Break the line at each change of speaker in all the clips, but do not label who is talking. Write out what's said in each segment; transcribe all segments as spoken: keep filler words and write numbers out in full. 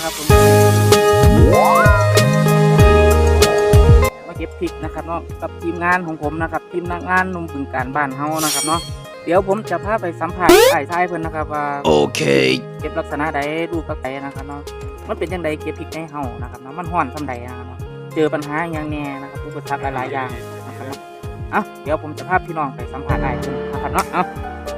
นะครับผมมาเก็บพริกนะครับเนาะกับทีมงานของผมนะครับทีมนักงานนุ่มบึงการบ้านเฮานะครับเนาะเดี๋ยวผมจะพาไปสัมผัสไอ้ชายเพิ่นนะครับว่าโอเคเก็บลักษณะใดรูปลักษณะใดนะครับเนาะมันเป็นจังไดเก็บพริกในเฮานะครับเนาะมันฮ้อนซำใดนะครับเนาะเจอปัญหาอย่างแน่นะครับอุปสรรคหลายๆอย่างนะครับเนาะอ่ะเดี๋ยวผมจะพาพี่น้องไปสัมผัสไอ้เพิ่นนะครับเนาะเอา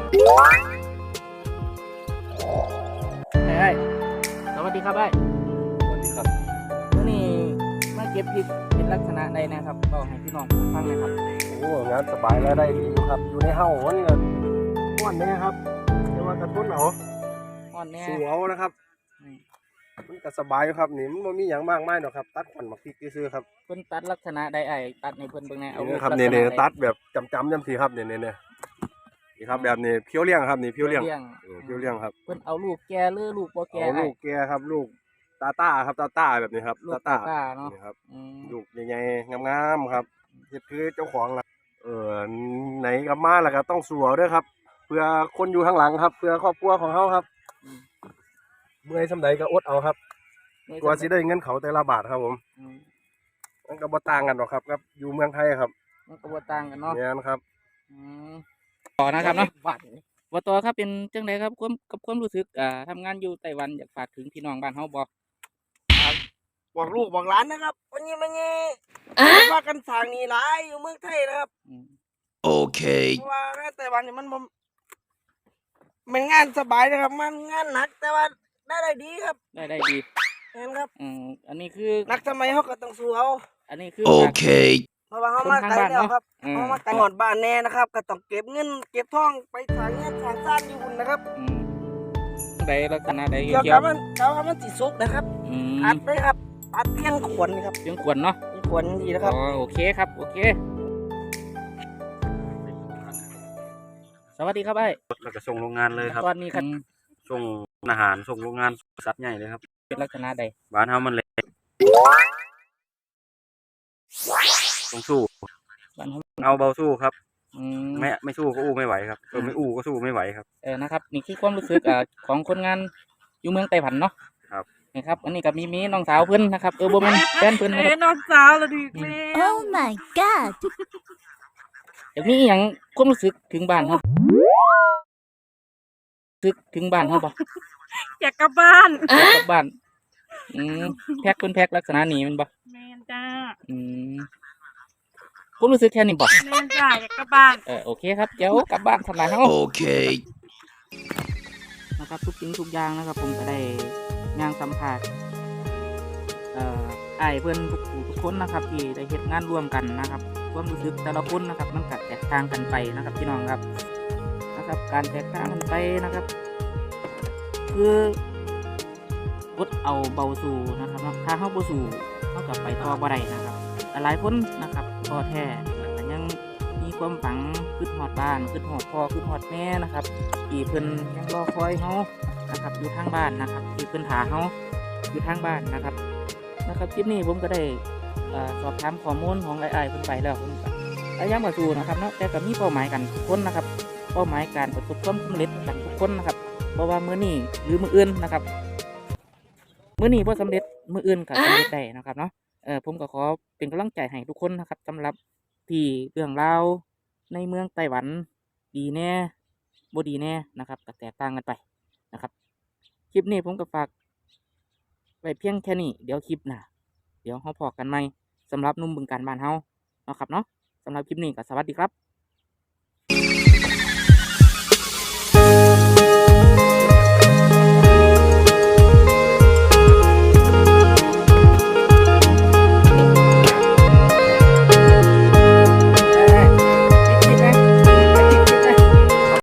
ไอ้สวัสดีครับไอ้สวัสดีครับวันนี้มาเก็บพริกเป็นลักษณะใดนะครับก็ให้พี่น้องฟังหน่อยครับ
โอ้งานสบายแล้วได้ดีอยู่ครับอยู่ในเฮ้ามันก็ม้วนแน่ครับเรียกว่ากระตุ้นเอา
อ่อนแน่
สู้เอานะครับมันก็สบายอยู่ครับนี่มันไม่มีอย่างมากมายหรอกครับตัดขวัญหมักพริกซื้อครับ
เพิ่นตัดลักษณะใดไอ้ตัดในเพิ่นเบิ่งแน่เอา
ครับเนี่ยเนี่ยตัดแบบจำจำจำสีครับเนี่ยเนี่ยเนี่ยนี่ครับแบบนี้เพี้ยวเลี้ยงครับนี่เพี้ยวเลี้ยงเพี้ยวเลี้ยงครับ
เพิ่นเอาลูกแก่หรือลูกบ่แก่
เอาลูกแก่ครับลูกตาต้าครับตาต้าแบบนี้ครับ
ตาต้าเนาะ
นี่ครับลูกใหญ่ๆงามๆครับเฮ็ดคือเจ้าของละเออไหนกับมาแล้วก็ต้องสู้ด้วยครับเพื่อคนอยู่ข้างหลังครับเพื่อครอบครัวของเขาครับเมื่อยสำใดก็อดเอาครับกว่าสิได้เงินเขาแต่ละบาทครับผมมันก็บ่ต่างกันหรอกครับครับอยู่เมืองไทยครับ
มันก็บ่ต่างกันเนาะ
เนี่ยนะครับ
ต่อนะครับเนาะบ่ต่อครับเป็นจังไดครับความกับความรู้สึกอ่าทำงานอยู่ไต้หวันอยากฝากถึงพี่น้องบ้านเฮาบ่
บอกลูกบอกหลานนะครับวันนี้มันนี่ว่ากันสร้างนี่หลายอยู่เมืองไทยนะครับโอเคเพราะว่าไต้หวันนี่มันมันงานสบายนะครับมันงานหนักแต่ว่าได้ได้ดีครับ
ได้ได้ดี
เห็นครับ
อืมอันนี้คือ
นักสมัยเขาก็ต้องสู้เอา
อันนี้คือ
โอเคเพราะว่าเขามาไกลแล้วครับเขามาไกลหอดบ้านแน่นะครับก็ต้องเก็บเงินเก็บทองไปทางเงินทางซ่านอยู่บุญนะครับ
ใดลักษณะใด
เกี่ยวกับมันเกี่ยวกับมันสีสุกนะครับอัดเลยครับอัดเพียงขวนครับ
เพียงขวนเนาะ
เพียงขวนดีนะครับ
อ๋อโอเคครับโอเคสวัสดีครับไอ้
เราจะส่งโรงงานเลยครับ
ตอนนี้ครับ
ส่งอาหารส่งโรงงานสัตว์ใหญ่เลยครับ
เป็นลักษณะใด
บ้านเฮามันเล็กต้องสู้เอาเบาสู้ครับไม่ไม่สู้ก็อู้ไม่ไหวครับเออไม่อู้ก็สู้ไม่ไหวครับ
เออนะครับนี่คือความรู้สึกอ่าของคนงานอยู่เมืองไต้หวันเนาะ
ครับ
นะครับอันนี้กับมีมีน้องสาวเพิ่นนะครับเออบ่แม่นแฟนเพิ่น
นะครับน้องสาวละดิ
โอ้ my god
อยากมีหยังความรู้สึกถึงบ้านเฮาสึกถึงบ้านเฮาบ่
อยากกลับบ้าน
อยากกลับบ้านอืมแพ็คเพิ่นแพ็คลักษณะนี้มันบ่
แม่นจ้า
อืมผมรู้สึกแค่นี้บ่
แม่นจ้าอยากกลับบ้าน
เออโอเคครับเดี๋ยวกลับบ้านทำลายเฮา
โอเค
นะครับทุกสิ่งทุกอย่างนะครับผมก็ได้ย่างสัมภาษณ์เอ่ออ้ายเพิ่นทุกผู้ทุกคนนะครับที่ได้เฮ็ดงานร่วมกันนะครับความรู้สึกแต่ละคนนะครับมันก็แตกต่างกันไปนะครับพี่น้องครับนะครับการแตกต่างกันไปนะครับคืออดเอาเบาสู่นะครับถ้าเฮาบ่สู่เฮาก็ไปต่อบ่ได้นะครับหลายคนนะครับท้อแท้แต่ยังมีความฝังคิดฮอดบ้านคิดฮอดพ่อคิดฮอดแม่นะครับที่เพิ่นยังรอคอยเฮานะครับอยู่ทางบ้านนะครับที่เพิ่นถาเฮาอยู่ทางบ้านนะครับนะครับคลิปนี้ผมก็ได้สอบถามข้อมูลของไอ้ๆเพิ่นไปแล้วผมก็พยายามมาสู่นะครับเนาะแต่ก็มีเป้าหมายกันทุกคนนะครับเป้าหมายการประสบความสำเร็จกันทุกคนนะครับเพราะว่ามื้อนี้หรือมื้ออื่นนะครับมื้อนี้บ่สำเร็จมื้ออื่นก็สำเร็จได้นะครับเนาะเออผมก็ขอเป็นกำลังใจให้ทุกคนนะครับสำหรับที่เรื่องราวในเมืองไต้หวันดีแน่บ่ดีแน่นะครับก็แตกต่างกันไปนะครับคลิปนี้ผมก็ฝากไว้เพียงแค่นี้เดี๋ยวคลิปหน้าเดี๋ยวเฮาพอกันใหม่สำหรับหนุ่มบึงการบ้านเฮาเนาะครับเนาะสำหรับคลิปนี้ก็สวัสดีครับ